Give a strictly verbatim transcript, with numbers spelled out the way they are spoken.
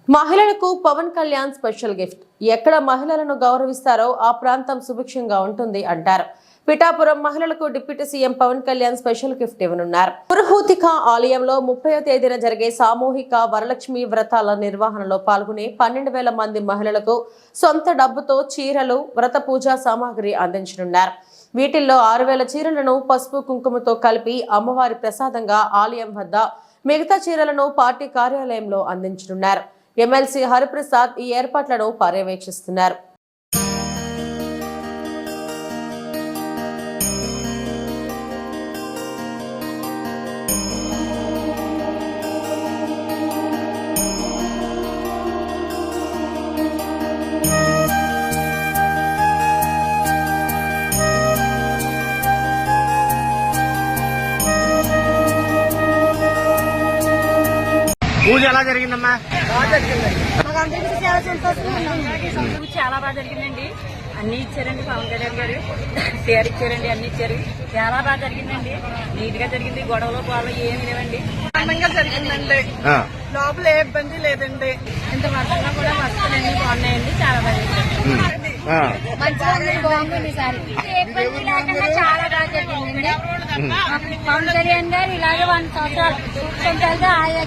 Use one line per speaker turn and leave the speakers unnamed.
మహిళలకు Pawan Kalyan special gift. ఎక్కడ మహిళలను గౌరవిస్తారో ఆ ప్రాంతం సుభిక్షంగా ఉంటుంది అంటారు. పిఠాపురం మహిళలకు deputy CM Pawan Kalyan special gift ఇవ్వనున్నారు. పురుహూతిక ఆలయంలో ముప్పై తేదీన జరిగే సామూహిక వరలక్ష్మి వ్రతాల నిర్వహణలో పాల్గొనే పన్నెండు వేల మంది మహిళలకు సొంత డబ్బుతో చీరలు, వ్రత పూజా సామాగ్రి అందించనున్నారు. వీటిల్లో ఆరు వేల చీరలను పసుపు కుంకుమతో కలిపి అమ్మవారి ప్రసాదంగా ఆలయం వద్ద, మిగతా చీరలను పార్టీ కార్యాలయంలో అందించనున్నారు. ఎమ్మెల్సీ హరిప్రసాద్ ఈ ఏర్పాట్లను పర్యవేక్షిస్తున్నారు.
పూజ ఎలా జరిగిందమ్మా?
చాలా బాగా జరిగిందండి. అన్ని ఇచ్చారండి పవన్ కళ్యాణ్ గారు, చీర ఇచ్చారండి, అన్ని ఇచ్చారు. చాలా బాగా జరిగిందండి. నీట్ గా జరిగింది. గొడవలు గొడవలు ఏమి లేవండి.
ఆనందంగా జరిగిందండి. లోపల ఏ ఇబ్బంది లేదండి.
ఇంత వర్షంలో కూడా వస్తువులు అన్ని బాగున్నాయండి. చాలా బాగా జరిగింది. బాగుంది సార్. ఇబ్బంది లేకుండా చాలా బాగా జరిగిందండి. పవన్ కళ్యాణ్ గారు ఇలాగే వన్ సంవత్సరాలు ఆయా